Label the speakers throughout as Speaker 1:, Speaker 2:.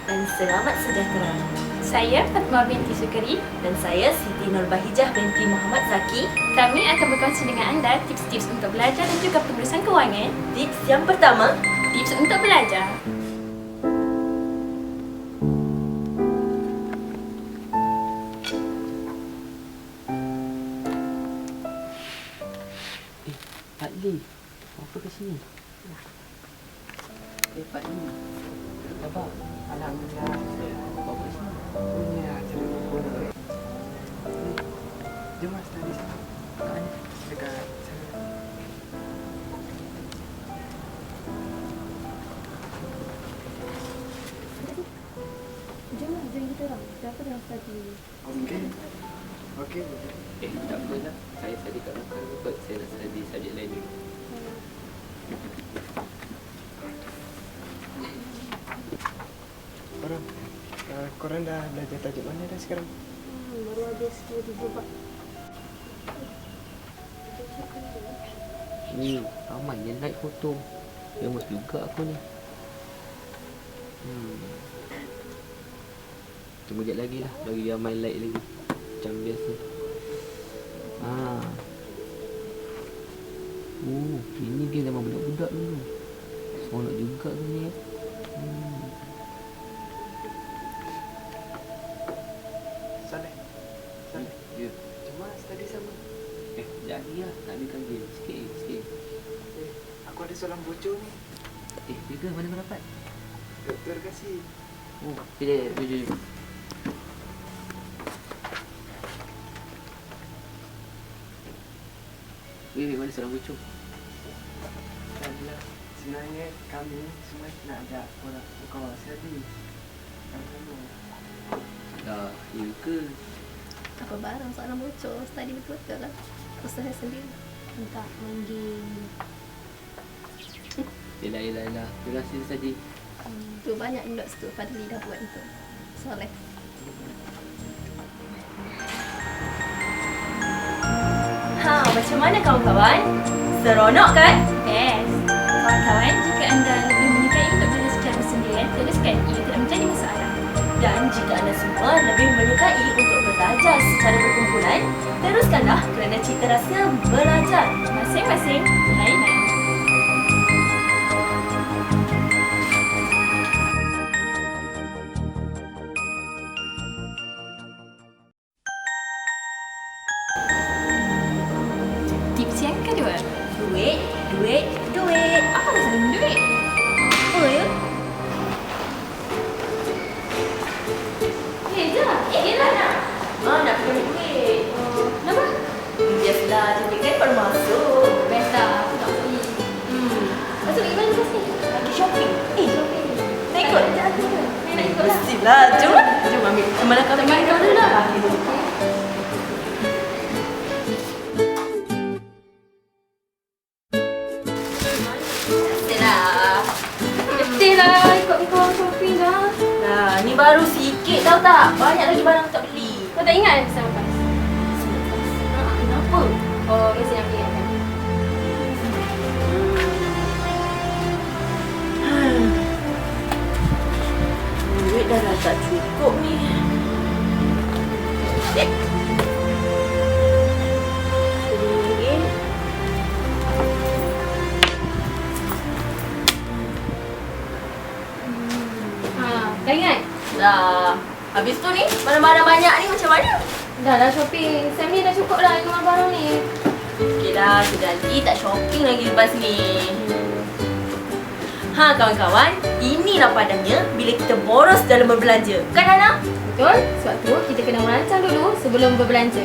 Speaker 1: dan selamat sejahtera.
Speaker 2: Saya Fatma binti Sukari.
Speaker 1: Dan saya Siti Nurbahijah binti Muhammad Zaki.
Speaker 2: Kami akan berkongsi dengan anda tips-tips untuk belajar dan juga pengurusan kewangan.
Speaker 1: Tips yang pertama,
Speaker 2: Tips untuk belajar.
Speaker 3: Pak Lee, apa ke sini? Pak Lee, Abang, alhamdulillah. Apa ke sini? Punya acara buku ni. Jom mas, tadi sana. Mana? Dekat sana.
Speaker 4: Jom kita orang. Siapa dah study?
Speaker 3: Okey. Okey.
Speaker 5: Tak apalah. Saya tadi kat belakang kot. Saya nak study subjek lain dulu.
Speaker 3: Korang dah belajar tajuk mana dah sekarang?
Speaker 4: Baru habis 2 bab.
Speaker 5: Ramai yang like foto. Lemas juga aku ni. Tunggu sekejap lagi lah. Bagi dia main like lagi. Macam biasa. Ini game zaman budak-budak dulu. Seronok juga tu ni.
Speaker 3: Saleh.
Speaker 5: Ya.
Speaker 3: Cuma study sama.
Speaker 5: Sekejap lagi lah. Nak ambilkan game. Sikit.
Speaker 3: Aku ada soalan bocor ni.
Speaker 5: Dia ke? Mana kau dapat?
Speaker 3: Doktor kasih.
Speaker 5: Jom. Mana seorang bocor?
Speaker 3: Alhamdulillah. Sebenarnya kami semua nak ajak korang kau study. Sama-sama.
Speaker 5: Ya ke?
Speaker 4: Apa barang soalan bocor? Study betul-betul lah. Usaha sendiri. Entah main game.
Speaker 5: Yelah. Terima kasih saja.
Speaker 4: Tu banyak notes tu Fadli dah buat tu. Soleh.
Speaker 1: Macam mana kawan-kawan? Seronok kan?
Speaker 2: Best. Kawan-kawan, jika anda lebih menyukai untuk belajar secara bersendirian, teruskan. Ia tidak menjadi masalah.
Speaker 1: Dan jika anda semua lebih menyukai untuk belajar secara berkumpulan, teruskanlah kerana cita rasa belajar.
Speaker 2: Masing-masing lain-lain. Tips yang kedua.
Speaker 1: Duit.
Speaker 2: Apa masalah dengan duit?
Speaker 1: Apa ya?
Speaker 2: Yelah nak.
Speaker 1: Nak kena duit.
Speaker 2: Kenapa?
Speaker 1: Biasalah, cantik kan baru masuk.
Speaker 2: Best lah. Aku tak pergi. Masuk pergi mana lepas ni?
Speaker 1: Lagi shopping.
Speaker 2: Shopping.
Speaker 1: Nak ikut?
Speaker 2: Saya nak ikut lah.
Speaker 1: Mestilah. Jom ambil. Kemana kau
Speaker 2: Teman kau dulu lah. Betul lah. Ikut kau shopping dah.
Speaker 1: Nah, ni baru sikit tahu tak? Banyak lagi barang tak beli.
Speaker 2: Kau tak ingat sama pas?
Speaker 1: Kenapa?
Speaker 2: Oh, biasanya aku ingat kan.
Speaker 1: Duit dah tak cukup ni.
Speaker 2: Dah ingat?
Speaker 1: Dah. Habis tu ni, barang-barang banyak ni macam mana?
Speaker 2: Dah shopping. Sam ni dah cukup lah dengan barang ni.
Speaker 1: Okey dah, nanti tak shopping lagi lepas ni. Kawan-kawan, inilah padanya bila kita boros dalam berbelanja. Kan Hana?
Speaker 2: Betul? Sebab tu kita kena merancang dulu sebelum berbelanja.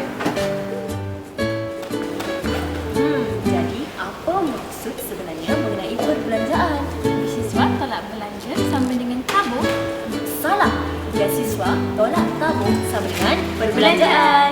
Speaker 1: Jadi apa maksud sebenarnya mengenai perbelanjaan?
Speaker 2: Siswa tolak belanja sama dengan tabung.
Speaker 1: Salah. Beasiswa tolak tabung sama dengan perbelanjaan.